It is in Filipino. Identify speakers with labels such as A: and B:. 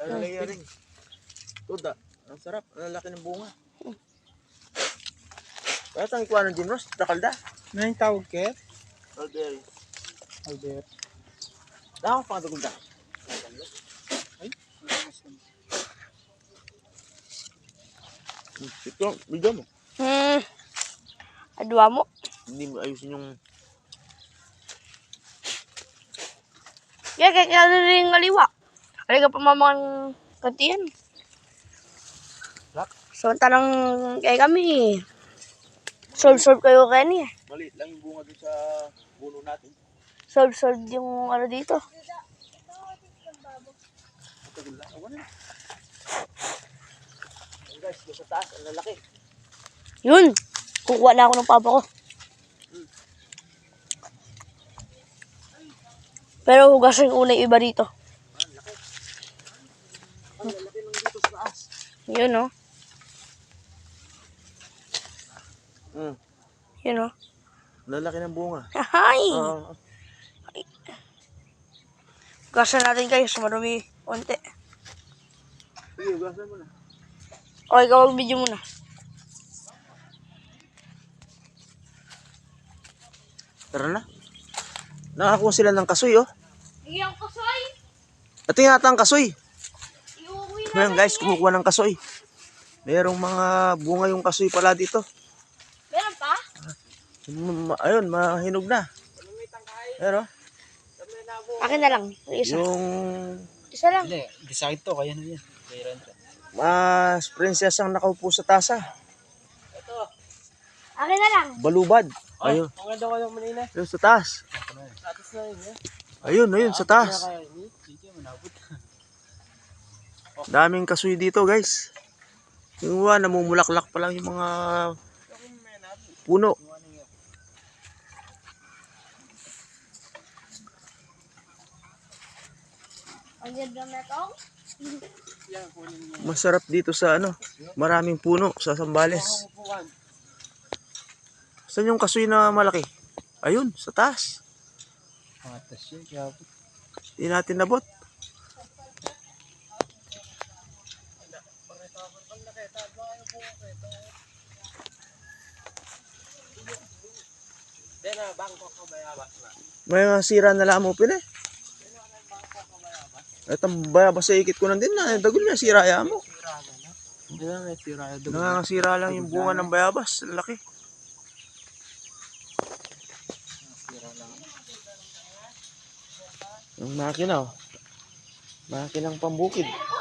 A: layering. Tuda. Ang sarap. Ang laki ng bunga. Kaya tang ikuha ng Jimros, takalda.
B: Ano yung tawag kaya?
A: Alberry.
B: Albert.
A: Dako pang tagulda.
B: Ay,
A: Ito, bigyan mo.
C: Adwa mo.
A: Hindi mo ayusin yung...
C: Kaya rin ngaliwa. Kaya ka pamamang kantiyan.
A: Rak?
C: Samantalang kaya kami. Solve kayo kaya niya.
A: Maliit lang yung bunga dun sa puno natin.
C: Solve yung ano dito.
A: Tagulda. Awan na. Ayan guys, doon sa taas. Ang lalaki.
C: Yun. Kukuha na ako ng papa ko. Pero hugasan ko na yung iba dito.
A: Ang laki. Ang lalaki lang dito sa taas.
C: Yun o. Yun o.
A: Lalaki ng bunga.
C: Hay!
A: Oo.
C: Hugasan natin guys. Marumi. Unti.
A: Sige, ugasan mo na.
C: O, ikaw mag-video muna.
A: Tara na. Nakakuha sila ng kasoy, oh.
C: Iyong kasoy!
A: Ito yung ata ang kasoy.
C: Iuwi
A: Ayan guys, kumukuha ng kasoy. Merong mga bunga yung kasoy pala dito.
C: Meron pa?
A: Ayun, mahinog na. Pero,
C: Akin na lang. Isa.
A: yung
C: Isa lang.
B: Hindi, decide to, kaya na yan. Mayroon ka.
A: mas princess ang nakaupo sa tasa.
C: Akin na lang.
A: Balubad. Ayun,
B: Ang ganda ko yung manila.
A: ayun sa taas.
B: Tapos na yun, eh.
A: Ayun, sa taas.
B: Kaya yun, sige, manabot.
A: Daming kasoy dito guys. Yung iba, namumulaklak pa lang yung mga puno.
C: Ang ganda na ito.
A: Masarap dito sa ano, maraming puno sa Sambales. Saan yung kasoy na malaki? Ayun, sa taas.
B: Patas yun, kaya po.
A: Hindi natin nabot. May mga sira na lang mo pin eh. Itong bayabas sa ikit ko na din na. Dagol niya, sira ya mo.
B: Hindi na, may sira.
A: Nangangasira lang yung bunga ng bayabas. Laki.
B: Sira lang.
A: Yung makina oh. Makinang pambukid.